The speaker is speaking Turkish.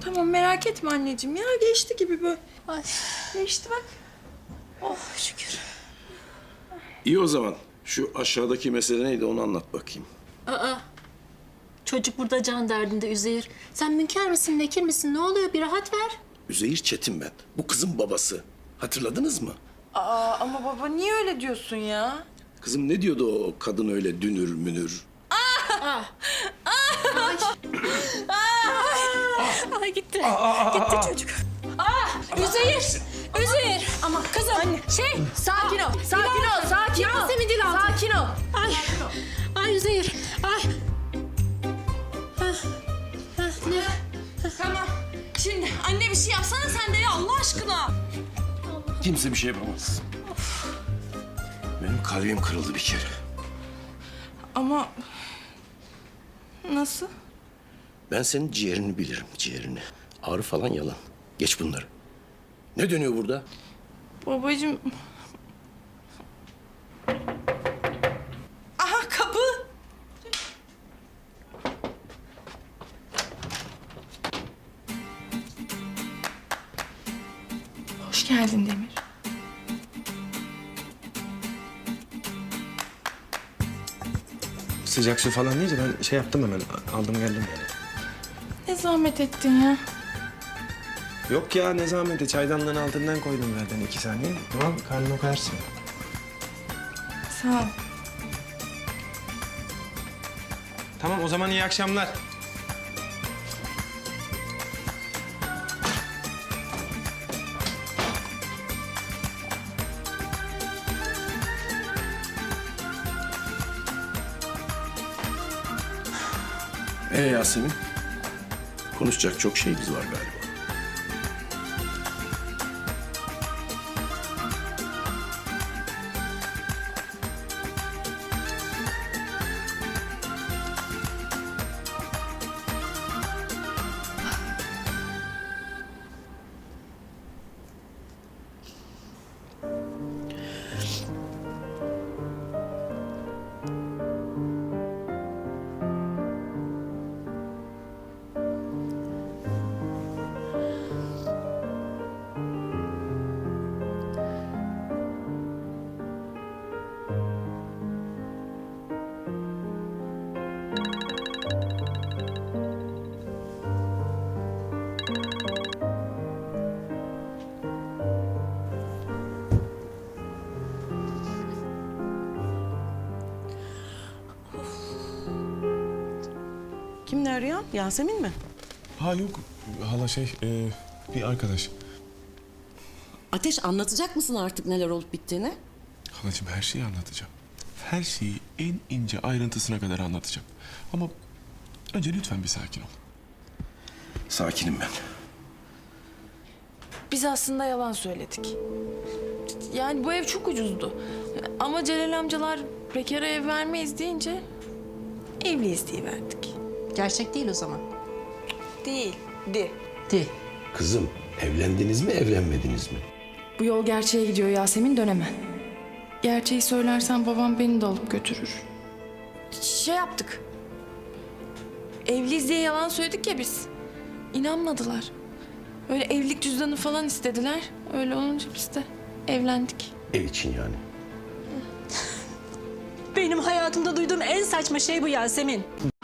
Tamam merak etme anneciğim ya. Geçti gibi böyle. Ay. Geçti bak. Oh şükür. İyi o zaman. Şu aşağıdaki mesele neydi onu anlat bakayım. Aa. Çocuk burada can derdinde Üzeyir. Sen münker misin, nekir misin? Ne oluyor? Bir rahat ver. Üzeyir Çetin ben. Bu kızın babası. Hatırladınız mı? Aa ama baba niye öyle diyorsun ya? Kızım ne diyordu o kadın öyle dünür münür? Ay gitti. Gitti çocuk. Üzeyir. Üzeyir. Ama kızım. Anne. Sakin ol, sakin ol, sakin ol. Yasemin dil altı. Sakin ol. Ay. Ay Üzeyir. Ay. Ne? Tamam. Şimdi anne bir şey yapsana sen de ya Allah aşkına. Kimse bir şey yapamaz. Benim kalbim kırıldı bir kere. Ama nasıl? Ben senin ciğerini bilirim, ciğerini. Ağrı falan yalan. Geç bunları. Ne dönüyor burada? Babacığım. Aha kapı. Hoş geldin Demir. Sıcak su falan deyince ben şey yaptım hemen. Aldım geldim yani. Ne zahmet ettin ya. Yok ya ne zahmeti. Çaydanlığın altından koydum zaten 2 saniye. Tamam karnını koyarsın. Sağ ol. Tamam o zaman iyi akşamlar. Yasemin? Konuşacak çok şeyimiz var galiba. Kim ne arıyor? Yasemin mi? Ha yok hala bir arkadaş. Ateş anlatacak mısın artık neler olup bittiğini? Halacığım her şeyi anlatacağım. Her şeyi en ince ayrıntısına kadar anlatacağım. Ama önce lütfen bir sakin ol. Sakinim ben. Biz aslında yalan söyledik. Yani bu ev çok ucuzdu. Ama Celal amcalar bekara ev vermeyiz deyince evliyiz diye verdik. Gerçek değil o zaman. Değildi. Değil. Kızım evlendiniz mi evlenmediniz mi? Bu yol gerçeğe gidiyor Yasemin dönemem. Gerçeği söylersen babam beni de alıp götürür. Şey yaptık. Evliyiz diye yalan söyledik ya biz. İnanmadılar. Öyle evlilik cüzdanı falan istediler. Öyle olunca biz de evlendik. Ev için yani. Benim hayatımda duyduğum en saçma şey bu Yasemin.